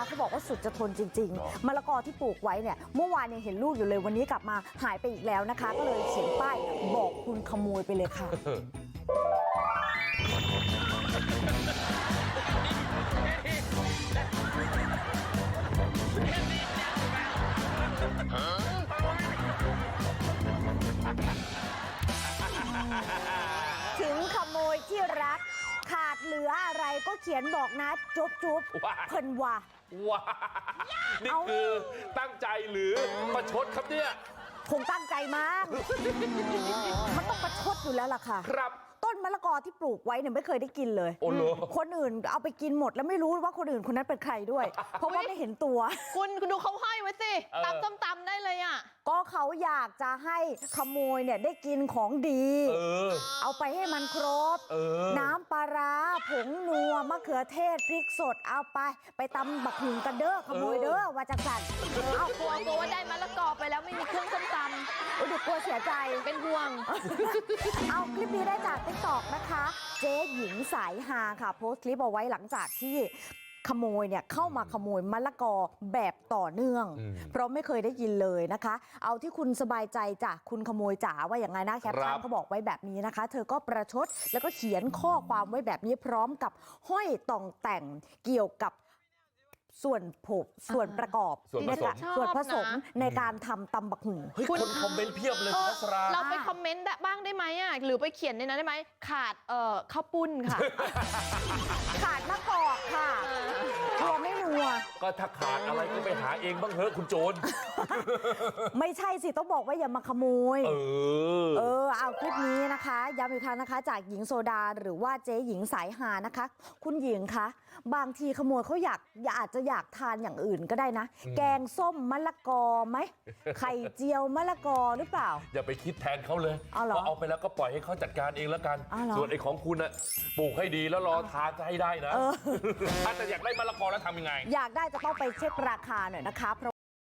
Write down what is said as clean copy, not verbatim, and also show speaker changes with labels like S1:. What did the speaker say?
S1: เขาบอกว่าสุดจะทนจริงๆมะละกอที่ปลูกไว้เนี่ยเมื่อวานยังเห็นลูกอยู่เลยวันนี้กลับมาหายไปอีกแล้วนะคะก็เลยเขียนป้ายบอกคุณขโมยไปเลยค่ะถึงขโมยที่รักขาดเหลืออะไรก็เขียนบอกนะจุ๊บจุ๊บเพิ่นว่า
S2: ว้านี่คือตั้งใจหรือประชดครับเนี่ย
S1: คงตั้งใจมากมันต้องประชดอยู่แล้วล่ะค่ะ
S2: ครับ
S1: ต้นมะละกอที่ปลูกไว้เนี่ยไม่เคยได้กินเลยคนอื่นเอาไปกินหมดแล้วไม่รู้ว่าคนอื่นคนนั้นเป็นใครด้วยเพราะว่าไม่เห็นตัว
S3: คุณดูเขาห้อยไว้สิตำส้มตำได้เลยอ่ะ
S1: ก็เขาอยากจะให้ขโมยเนี่ยได้กินของดีเอาไปให้มันครบน้ำปลาร้าผงนัวมะเขือเทศพริกสดเอาไปตำบักหุ่งกันเด้อขโมยเด้อว่าจังสัน
S3: เอากลัวว่าได้มะละกอไปแล้วไม่มีเครื่องส้มตำ
S1: ดูกลัวเสียใจ
S3: เป็นห่วง
S1: เอาคลิปนี้ได้จากTikTokนะคะเจ๊หญิงสายฮาค่ะโพสต์คลิปเอาไว้หลังจากที่ขโมยเนี่ยเข้ามาขโมยมะละกอแบบต่อเนื่องเพราะไม่เคยได้ยินเลยนะคะเอาที่คุณสบายใจจ้ะคุณขโมยจ๋าว่าอย่างไงนะแคปชั่นเขาบอกไว้แบบนี้นะคะเธอก็ประชดแล้วก็เขียนข้อความไว้แบบนี้พร้อมกับห้อยต่องแต่งเกี่ยวกับส่วนประกอบส่วนผสมในการทำตำบักหุ่ง
S2: คนคอมเมนต์เพียบเลยพัสรา
S3: เราไปคอมเมนต์บ้างได้ไหมอ่ะหรือไปเขียนในนั้นได้ไหมขาดข้าวปุ้นค่ะ
S1: ขาดมะกอกค่ะตัวไม่นัว
S2: ก็ถ้าขาดอะไรก็ไปหาเองบ้างเถอะคุณโจร
S1: ไม่ใช่สิต้องบอกว่าอย่ามาขโมยเอาคลิปนี้นะคะย้ำอีกครั้งนะคะจากหญิงโซดาหรือว่าเจ๊หญิงสายฮานะคะคุณหญิงคะบางทีขโมยเขาอาจจะอยากทานอย่างอื่นก็ได้นะแกงส้มมะละกอไหมไข่เจียวมะละกอหรือเปล่า
S2: อย่าไปคิดแทนเขาเลยเอาไปแล้วก็ปล่อยให้เขาจัดการเองแล้วกันส่วนไอ้ของคุณน่ะปลูกให้ดีแล้วรอทานจะให้ได้นะถ้าจะอยากได้มะละกอแล้วทำยังไง
S1: อยากได้จะต้องไปเช็คราคาหน่อยนะคะ